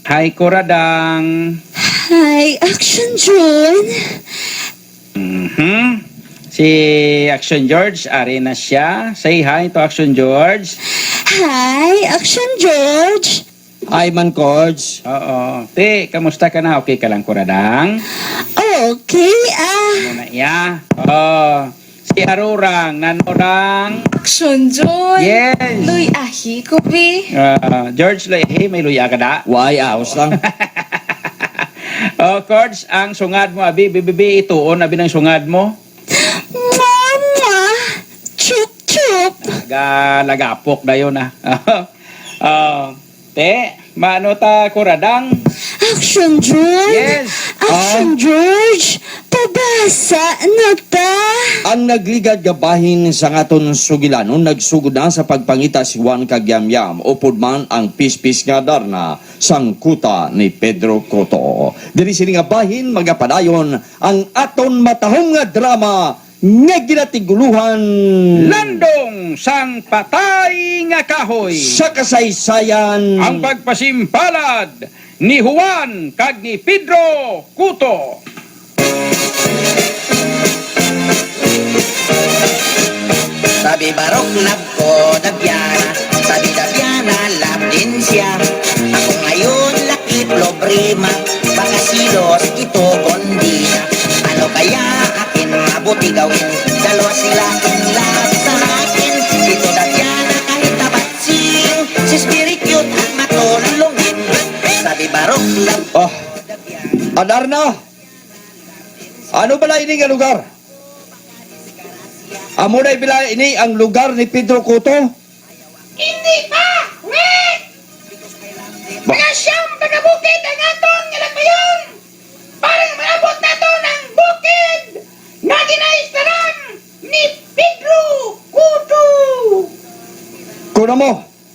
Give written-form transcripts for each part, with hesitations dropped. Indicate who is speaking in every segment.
Speaker 1: Hi, Kuradang.
Speaker 2: Hi, Action John.
Speaker 1: Si Action George, ari na siya. Say hi to Action George.
Speaker 2: Hi, Action George.
Speaker 3: Hi, Man Cords.
Speaker 1: Oo. Te, kamusta ka na? Okay ka lang, Kuradang?
Speaker 2: Okay,
Speaker 1: Muna iya. Oo. Si Arurang, Nanorang.
Speaker 2: Action John.
Speaker 1: Yes.
Speaker 2: Luy, ahi ko, be.
Speaker 1: George, hey, may luya ka da?
Speaker 3: Why, aos lang.
Speaker 1: Oh, Cords, ang sungad mo, abi, bibibi, ituon, abi ng sungad mo.
Speaker 2: Mama, chup-chup.
Speaker 1: Lagapok na yun, ah. Te, maano ta, Kuradang?
Speaker 2: Action John.
Speaker 1: Yes.
Speaker 2: Action George. Pabasa na ta.
Speaker 3: Ang nagligad gabahin sa ngaton sugilanon nagsugod na sa pagpangita si Juan Kagyamyam upod man ang pispis nga darna sang kuta ni Pedro Cotto. Diri sini nga bahin magapadayon ang aton matahong nga drama nga ginatiguluhan
Speaker 1: Landong sang patay nga kahoy.
Speaker 3: sa kasaysayan
Speaker 1: Ang pagpasimpalad ni Juan kag ni Pedro Cotto.
Speaker 4: Sabi barok lab ko Dabyana, sabi Dabyana lab din siya. Ako ngayon laki problema, baka silos ito kondina. Ano kaya akin mabuti gawin? Dalawa sila in love sa akin. Ito Dabyana kahit tabatsing, si spirit cute at matulungin. Sabi barok lab
Speaker 3: Oh, Adarna, ano bala ini nga lugar? Amo na ibila ini ang lugar ni Pedro Cotto?
Speaker 5: Hindi pa! Wait! Mga siyang taga-bukid ang aton nga nagmayon! Parang maabot na to ng bukid na ginaistaran ni Pedro Cotto!
Speaker 3: Kuna mo,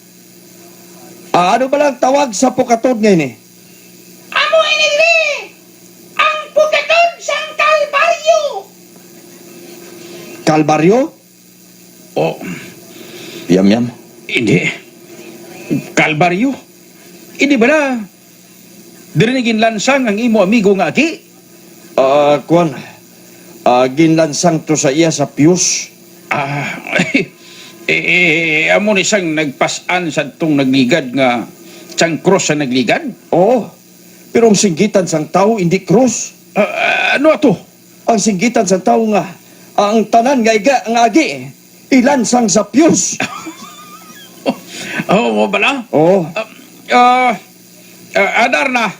Speaker 3: ano ba lang tawag sa pukatod ngayon eh?
Speaker 5: Amo inili ang pugkatod sang Kalbaryo!
Speaker 3: Kalbaryo?
Speaker 1: Oh,
Speaker 3: Yam.
Speaker 1: hindi. Kalbaryo. Hindi ba na? Dirinigin lansang ang imo amigo nga aki?
Speaker 3: Kuan, ginlansang to sa iya sa Pius.
Speaker 1: Amo ni siyang nagpasan sa itong nagligad nga siyang cross sa nagligad?
Speaker 3: Oo, pero ang singgitan sang tao hindi cross.
Speaker 1: Ano ato?
Speaker 3: Ang singgitan sang tao nga, ang tanan nga iga, ang agi, ilansang sa Pius.
Speaker 1: Oh, mo bala?
Speaker 3: Oo,
Speaker 1: Adarna,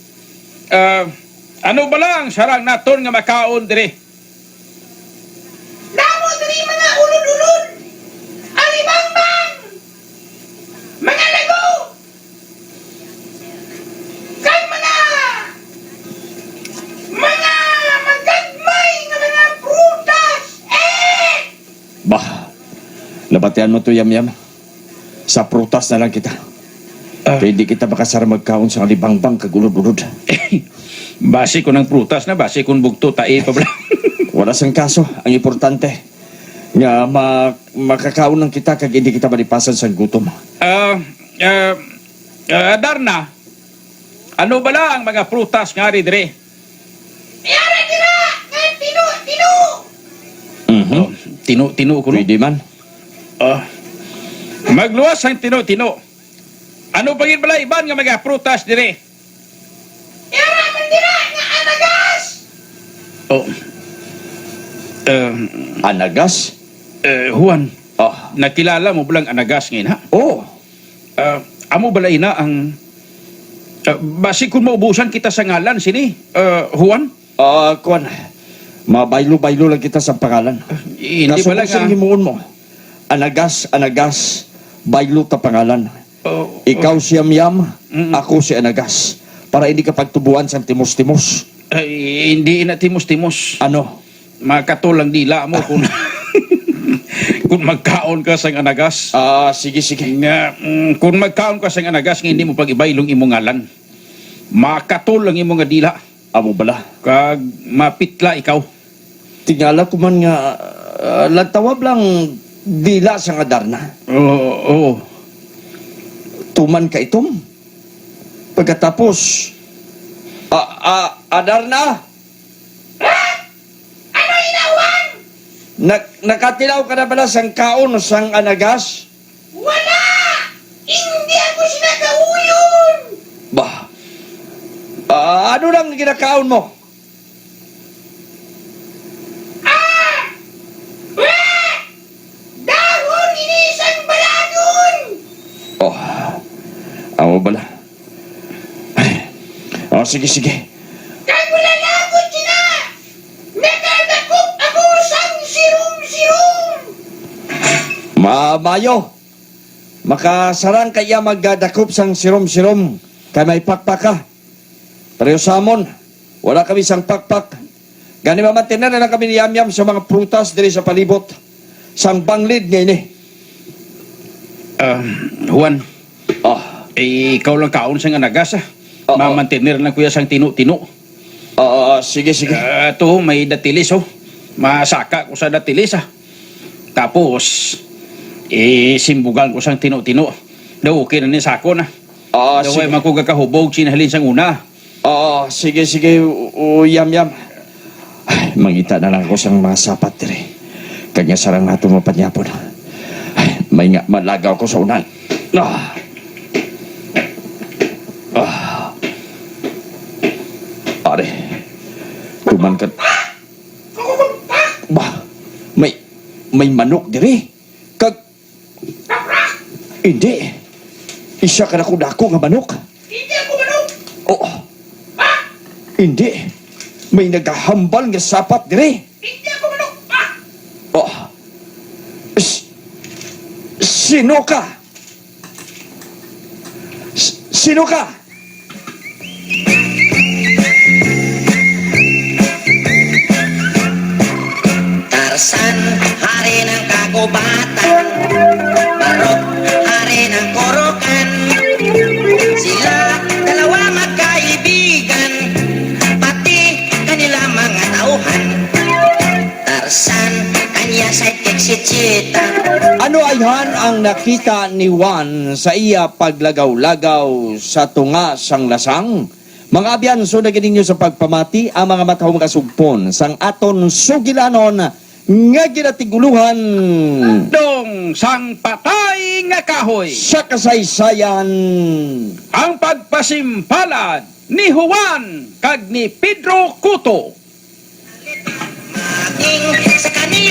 Speaker 1: ano ba lang sarang naton nga makaon dire?
Speaker 5: Damo diri mga ulod-ulod! Alibangbang! Mga lago! Kag mga magagmay nga mga prutas!
Speaker 3: bah, labatian mo to Yam. Sa prutas na lang kita. Kaya di kita makasara magkaon sa alibangbang kagulod-ulod.
Speaker 1: Base ko ng prutas na, base kong bugto, tae pa bala.
Speaker 3: Wala sang kaso, ang importante, nga makakaon ng kita kag hindi kita malipasan sa gutom.
Speaker 1: Adarna, ano bala ang mga prutas nga rin dire?
Speaker 5: Yara tira! Ngay tino!
Speaker 1: Oh, tino ko no?
Speaker 3: Pwede man.
Speaker 1: Magluwas ang tino. Ano pagin bala iban nga mga prutas dire?
Speaker 5: Yara man tira nga anagas!
Speaker 1: Oh.
Speaker 3: Anagas?
Speaker 1: Juan,
Speaker 3: Ah,
Speaker 1: nakilala mo balang anagas ngayon ha?
Speaker 3: oh.
Speaker 1: Amo bala ina ang basi kung maubusan kita sa ngalan sini, Juan?
Speaker 3: Kuan, mabaylo-baylo lang kita sa pangalan.
Speaker 1: Hindi bala
Speaker 3: Nasuko sa
Speaker 1: nga.
Speaker 3: himuon mo. Anagas, baylo ta pangalan. Ikaw si Yam, ako si Anagas. Para hindi ka pagtubuan sa timos-timos.
Speaker 1: Hindi na timos-timos.
Speaker 3: Ano?
Speaker 1: Makatulang dila mo kung kung magkaon ka sa anagas.
Speaker 3: Sige.
Speaker 1: Nga, kung magkaon ka sa anagas, nga hindi mo pag-ibaylong imong ngalan. Makatulang imong nga dila.
Speaker 3: Amo bala.
Speaker 1: Kag mapitla ikaw.
Speaker 3: Tingala ko man nga, lantawab lang dila sa nga darna.
Speaker 1: Oo.
Speaker 3: Tuman ka itom. Pagkatapos, Adarna,
Speaker 5: Ano inawan?
Speaker 3: nakatilaw ka na ba sang kaon o sang anagas?
Speaker 5: Wala! Hindi ako sinagauyon!
Speaker 3: Bah, ano lang ginakaon mo?
Speaker 5: Dahon inisang balagon!
Speaker 3: Oh, amo bala. Oh, sige, sige.
Speaker 5: Kay wala na ako sina! Nakadakop ako sang sirum-sirum!
Speaker 3: Mayo, makasarang kaya magdadakop sang sirom-sirom kay may pakpak ka. Pero samon, wala kami sang pakpak. Gani mamantinan na lang kami ni Yamyam sa mga prutas diri sa palibot. Sang banglid ngayon eh.
Speaker 1: Juan,
Speaker 3: Ah,
Speaker 1: ikaw lang kaon sa anagas
Speaker 3: Oo.
Speaker 1: Mamantinir lang kuya sang tino-tino.
Speaker 3: sige, sige.
Speaker 1: Ito, may datilis Masaka ko sa datilis Tapos, simbugan ko sang tino-tino. Daw okay na ni sako na. Daw ay
Speaker 3: Sige.
Speaker 1: makugakahubog sinahalin sang una.
Speaker 3: Sige, sige, Yamyam. Ay, mangita na lang ako sang mga sapat diri. Kanya sarang nato mapanyapon. Ay, may nga malagaw ko sa unan. Ah. Are, tuman ka. Bah, may manok diri. Hindi. Isa ka na dako nga manok.
Speaker 5: Hindi ako manok!
Speaker 3: Oh. Hindi. May naghahambal nga sapat dire.
Speaker 5: Hindi ako manok!
Speaker 3: Oh. Sino ka? Sino ka?
Speaker 4: Tarzan, hari ng kagubatan. Barok, hari ng korokan. Sila dalawa magkaibigan, pati kanila mga tauhan. Tarzan, kanya sidekick si Cheetah.
Speaker 3: Ano ayhan ang nakita ni Juan sa iya paglagaw-lagaw sa tunga sang lasang? Mga abyanso na gininyo sa pagpamati ang mga matahong kasugpon sang aton sugilanon nga ginatiguluhan
Speaker 1: Dong sang patay nga kahoy.
Speaker 3: sa kasaysayan.
Speaker 1: Ang pagpasimpalad ni Juan kag ni Pedro Cotto.
Speaker 4: Maging sa kanila